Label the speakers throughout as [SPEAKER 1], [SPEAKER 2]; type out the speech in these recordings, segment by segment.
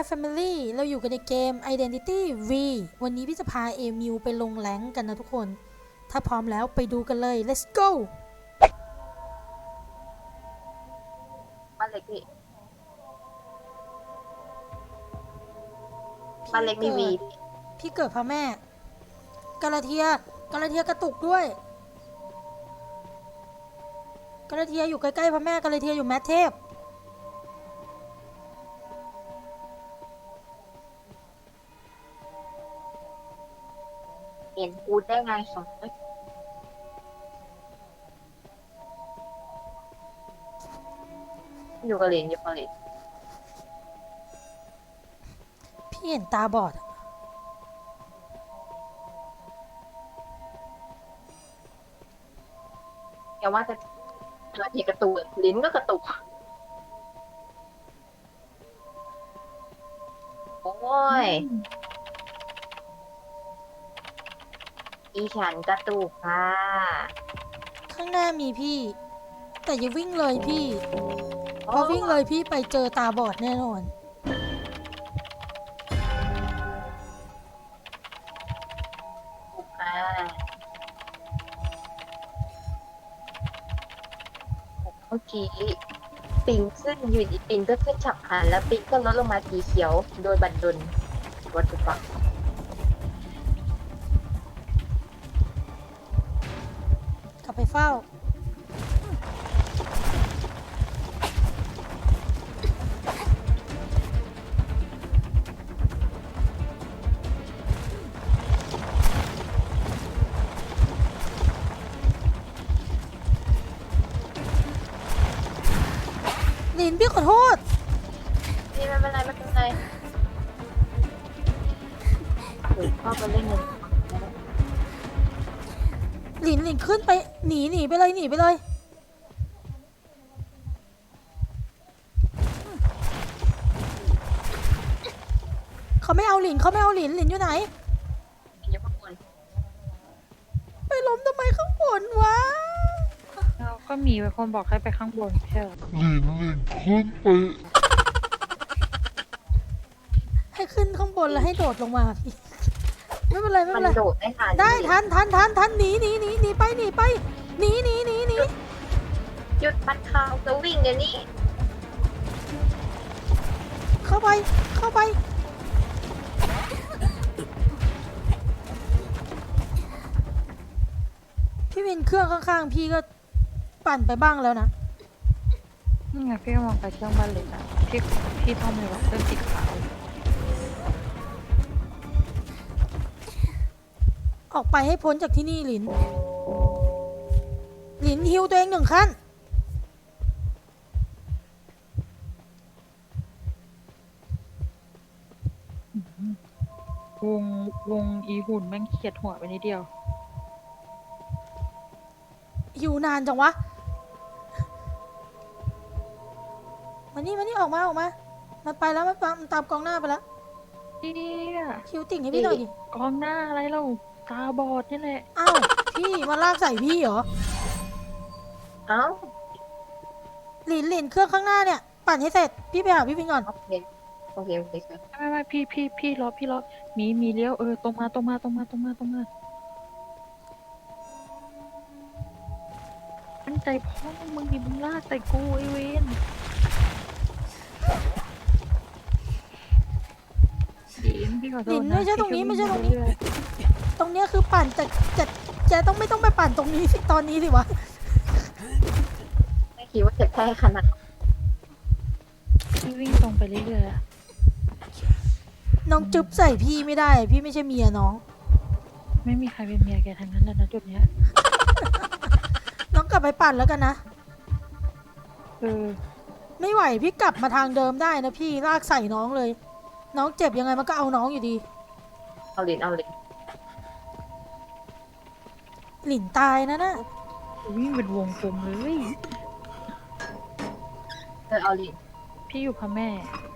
[SPEAKER 1] Family เราอยู่กันในเกม Identity V วันนี้พี่จะพาเอมิวไปลงแรงค์กันนะทุกคน ถ้าพร้อมแล้วไปดูกันเลย let's go
[SPEAKER 2] บ้านเล็กพี่บ้านเล็กมีวี
[SPEAKER 1] พี่เกิดพระแม่กาลาเทียกระตุกด้วยกาลาเทียอยู่ใกล้ๆพระแม่กาลาเทียอยู่แมทเทพ
[SPEAKER 2] เห็นกูได้ไงสองอยู่กับเหรียญ
[SPEAKER 1] พี่เห็นตาบอด
[SPEAKER 2] อย่าว่าแต่เราเห็นกระตุกลิ้นก็กระตุกโอ้ยอีฉันกระตุกค่ะ
[SPEAKER 1] ข้างหน้ามีพี่แต่อย่าวิ่งเลยพี่เพราะวิ่งเลยพี่ไปเจอตาบอดแน่นอน
[SPEAKER 2] เมื่อกี้ปิงขึ้นอยู่ดีปิงก็ขึ้นฉับพลันแล้วปิงก็ลดลงมาสีเขียวโดยบัดดลวัตถุฟัง
[SPEAKER 1] กลับไปเฝ้าลินพี่ขอโทษ
[SPEAKER 2] นี่ไม่เป็นไรหรือพ่อมาเล่นเงิน
[SPEAKER 1] หลินขึ้นไปหนีไปเลยเขาไม่เอาหลินอยู่ไหน
[SPEAKER 2] อยู่ข้างบน
[SPEAKER 1] ไปล้มทำไมข้างบนวะ
[SPEAKER 3] เราก็มีคนบอกให้ไปข้างบนใช่ไหม
[SPEAKER 4] ขึ้นไป
[SPEAKER 1] ให้ขึ้นข้างบนแล้วให้โดดลงมาพี่ไม่เป็นไร
[SPEAKER 2] มันโดดได้ทัน
[SPEAKER 1] ได้ทันหนีไปหนี
[SPEAKER 2] หยุดปัดข่าวจะวิ่งเดี๋ยวนี้
[SPEAKER 1] เข้าไปพี่วินเครื่องข้างๆพี่ก็ปั่นไปบ้างแล้วนะ
[SPEAKER 3] นี่ไงพี่มองไปเครื่องบ้านเล็กอ่ะพี่ทำเลยว่าเครื่องสีขาว
[SPEAKER 1] ออกไปให้พ้นจากที่นี่หลินฮิวตัวเอง1 ขั้น
[SPEAKER 3] วงอีหุ่นแม่งเขียดหัวไปนิดเดียว
[SPEAKER 1] ฮิวนานจังวะมานี่ออกมามันไปแล้วมันตามกองหน้าไปแล้วฮิวติ่งให้พี่หน่อยดิ
[SPEAKER 3] กองหน้าอะไรเราตาบอดนี่แหละ
[SPEAKER 1] อ้าวพี่มาลากใส่พี่เหรอ
[SPEAKER 2] เอ้า
[SPEAKER 1] หลินเครื่องข้างหน้าเนี่ยปั่นให้เสร็จพี่ไปหาพี่วินก่อน
[SPEAKER 2] โอเค
[SPEAKER 3] ไม่พี่รอมีเลี้ยวตรงมาตั้งใจพ่อมึงดิมึงลากใส่กูไอเวนพี่ขอโทษ
[SPEAKER 1] หลินไม่ใช่ตรงนี้ตรงนี้คือปั่นแต่จะไม่ต้องไปปั่นตรงนี้สิตอนนี้สิวะ
[SPEAKER 2] ไม่คิดว่าจะแพ้ขนาด
[SPEAKER 3] พี่วิ่งตรงไปเรื่อย
[SPEAKER 1] ๆน้องจุ๊บใส่พี่ไม่ได้พี่ไม่ใช่เมียน้อง
[SPEAKER 3] ไม่มีใครเป็นเมียแกทั้งนั้นแล้วนะจุดเนี้ย
[SPEAKER 1] น้องกลับไปปั่นแล้วกันนะไม่ไหวพี่กลับมาทางเดิมได้นะพี่ลากใส่น้องเลยน้องเจ็บยังไงมันก็เอาน้องอยู่ดี
[SPEAKER 2] เอาเหรียญ
[SPEAKER 1] หลินตายนะ
[SPEAKER 3] วิ่งเป็นวงกลมเลย
[SPEAKER 2] เอาเหรียญ
[SPEAKER 3] พี่อยู่พ่อแม่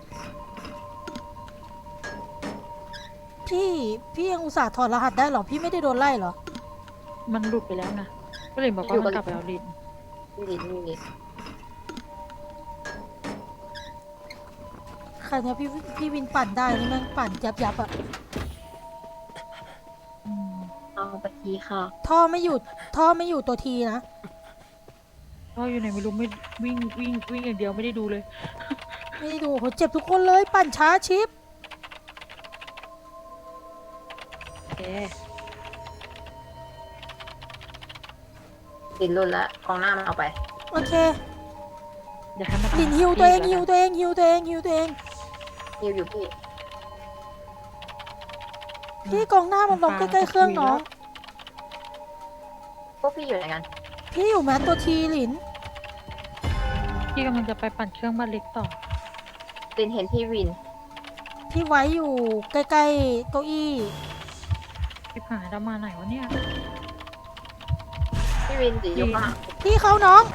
[SPEAKER 1] พี่ยังอุตส่าห์ถอดรหัสได้หรอพี่ไม่ได้โดนไล่หรอ
[SPEAKER 3] มันหลุดไปแล้วนะก็เลยบอกว่ามันกลับไปเอาลิน
[SPEAKER 2] นี่
[SPEAKER 1] ขใครเนี่ยพี่วินปั่นได้นี่แม่งปั่นยับอะ
[SPEAKER 3] อืม
[SPEAKER 2] เอาไปทีค่ะ
[SPEAKER 1] ท่อไม่อยู่ตัวทีนะ
[SPEAKER 3] ก็อยู่ไหนไม่รู้ไม่วิ่งอย่างเดียวไม่ได้ดูเลย
[SPEAKER 1] ไม่ได้ดูโหเจ็บทุกคนเลยปั่นช้าชิป
[SPEAKER 3] แก
[SPEAKER 2] ติดรุนแล้วกองหน้ามันเอาไป
[SPEAKER 1] โอเค
[SPEAKER 3] อยากให้มัน
[SPEAKER 1] หลินฮิวตัวเองฮิวตัวเองฮิวตัวเองฮิวตัวเอง
[SPEAKER 2] ฮิวอยู่พี่
[SPEAKER 1] พี่กองหน้ามันลงใกล้ๆเครื่องน้อง
[SPEAKER 2] พวกพี่อยู่ไหนกัน
[SPEAKER 1] พี่อยู่แม้ตัวทีหลิน
[SPEAKER 3] พี่กำลังจะไปปั่นเครื่องบ้านเล็กต่อ
[SPEAKER 2] ตินเห็นพี่วิน
[SPEAKER 1] พี่ไว้อยู่ใกล้ๆเก้าอี้
[SPEAKER 3] พี่หายแล้วมาไหนวะเนี่ย
[SPEAKER 2] พี่วินจะยกมา
[SPEAKER 1] พี่เขาน้อง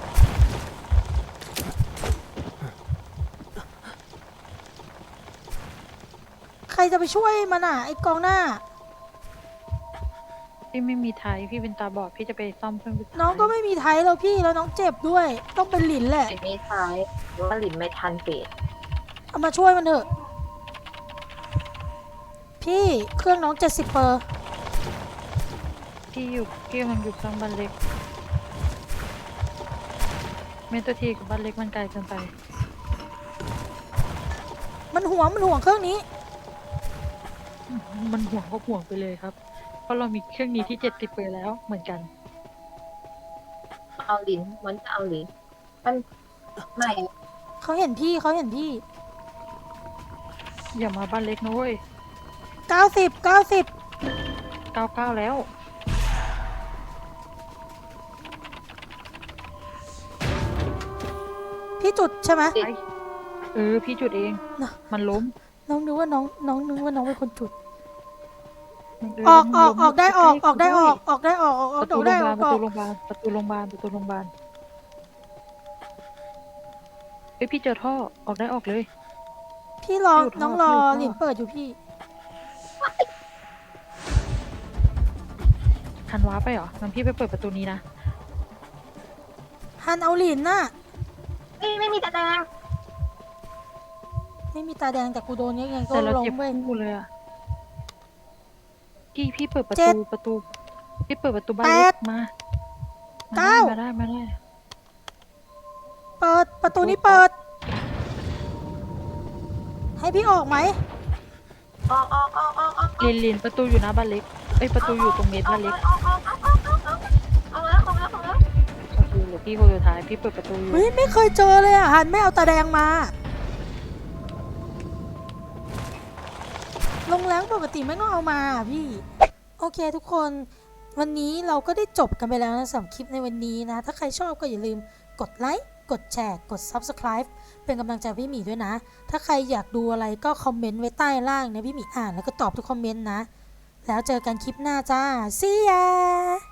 [SPEAKER 1] ใครจะไปช่วยมันอ่ะไอ้กองหน้า
[SPEAKER 3] พี่ไม่มีไทยพี่เป็นตาบอดพี่จะไปซ่อมเครื่องบิน
[SPEAKER 1] น้องก็ไม่มีไทยแล้วพี่แล้วน้องเจ็บด้วย ต้องเป็นหลินแหละ
[SPEAKER 2] ไอ้ไม่ท้ายว่าหลินไม่ทันเฟด
[SPEAKER 1] เอามาช่วยมันเถอะ พี่เครื่องน้อง70%เปอร์
[SPEAKER 3] พี่กำลังอยู่เครื่องบ้านเล็กเมนตัวทีกับบ้านเล็กมันไกลเกินไป
[SPEAKER 1] มันห่วงเครื่องนี้
[SPEAKER 3] มันห่วงก็ห่วงไปเลยครับ เพราะเรามีเครื่องนี้ที่70 ไปแล้วเหมือนกัน
[SPEAKER 2] เอาหลินมันจะเอาหลินมันไม่
[SPEAKER 1] เขาเห็นพี่
[SPEAKER 3] อย่ามาบ้านเล็กนะเว้ย
[SPEAKER 1] 90
[SPEAKER 3] 99แล้ว
[SPEAKER 1] พี่จุดใช่ไหม
[SPEAKER 3] ไปพี่จุดเอง
[SPEAKER 1] น่ะ
[SPEAKER 3] มันล้ม
[SPEAKER 1] น้องนึกว่าน้องนึกว่าน้องเป็นคนจุด
[SPEAKER 3] มัน
[SPEAKER 1] ออก
[SPEAKER 3] มันล้ม
[SPEAKER 1] ได้ออก
[SPEAKER 3] ใกล้ๆ
[SPEAKER 1] ได้ออก
[SPEAKER 3] ด้วย
[SPEAKER 1] ออกได้ออก
[SPEAKER 3] ประตู
[SPEAKER 1] ได้
[SPEAKER 3] โรงพยาบาล
[SPEAKER 1] ออก
[SPEAKER 3] ประตูโรงพยาบาลเอ้ยพี่เจอท่อออกได้ออกเลย
[SPEAKER 1] พี่รอ
[SPEAKER 3] อยู่ท่อ
[SPEAKER 1] น้องรอ
[SPEAKER 3] อยู่ท่อ
[SPEAKER 1] หลินเปิดอยู่พี่
[SPEAKER 3] ทันว้าไปเหรองั้นพี่ไปเปิดประตูนี้นะ
[SPEAKER 1] ฮันเอาหลินน่ะ
[SPEAKER 2] ไม่มีตาแดง
[SPEAKER 1] ไม่มีตาแดงแต่กูโดนยังไงก็
[SPEAKER 3] แต่เรา
[SPEAKER 1] ล้
[SPEAKER 3] เจ็บ
[SPEAKER 1] มเว้ย
[SPEAKER 3] คู่เลยอะพี่เปิดประ
[SPEAKER 1] เจ็
[SPEAKER 3] ตู
[SPEAKER 1] ด
[SPEAKER 3] พี่เปิดประตูบ้าน
[SPEAKER 1] แป
[SPEAKER 3] เล็
[SPEAKER 1] ด
[SPEAKER 3] กมา
[SPEAKER 1] เก้า
[SPEAKER 3] มาได้
[SPEAKER 1] เปิดประตูนี้เปิด ให้พี่ออกไหม
[SPEAKER 2] ออก
[SPEAKER 3] ลินประตูอยู่หน้าบ้านเล็กเอ้ยประตูอยู่ตรงเมตรบ้านเล็ก
[SPEAKER 2] ออกแล้ว
[SPEAKER 3] โอเคเหลือพี่คนสุดท้ายพี่เปิดประตูอยู่
[SPEAKER 1] เฮ้ยไม่เคยเจอเลยอ่ะฮันไม่เอาตาแดงมาลงแรงปกติไม่ต้องเอามาอะพี่ โอเคทุกคน วันนี้เราก็ได้จบกันไปแล้วนะสำหรับคลิปในวันนี้นะ ถ้าใครชอบก็อย่าลืมกดไลค์ กดแชร์ กด Subscribe เป็นกำลังใจให้พี่หมีด้วยนะ ถ้าใครอยากดูอะไรก็คอมเมนต์ไว้ใต้ล่างนะพี่หมีอ่านแล้วก็ตอบทุกคอมเมนต์นะ แล้วเจอกันคลิปหน้าจ้า See ya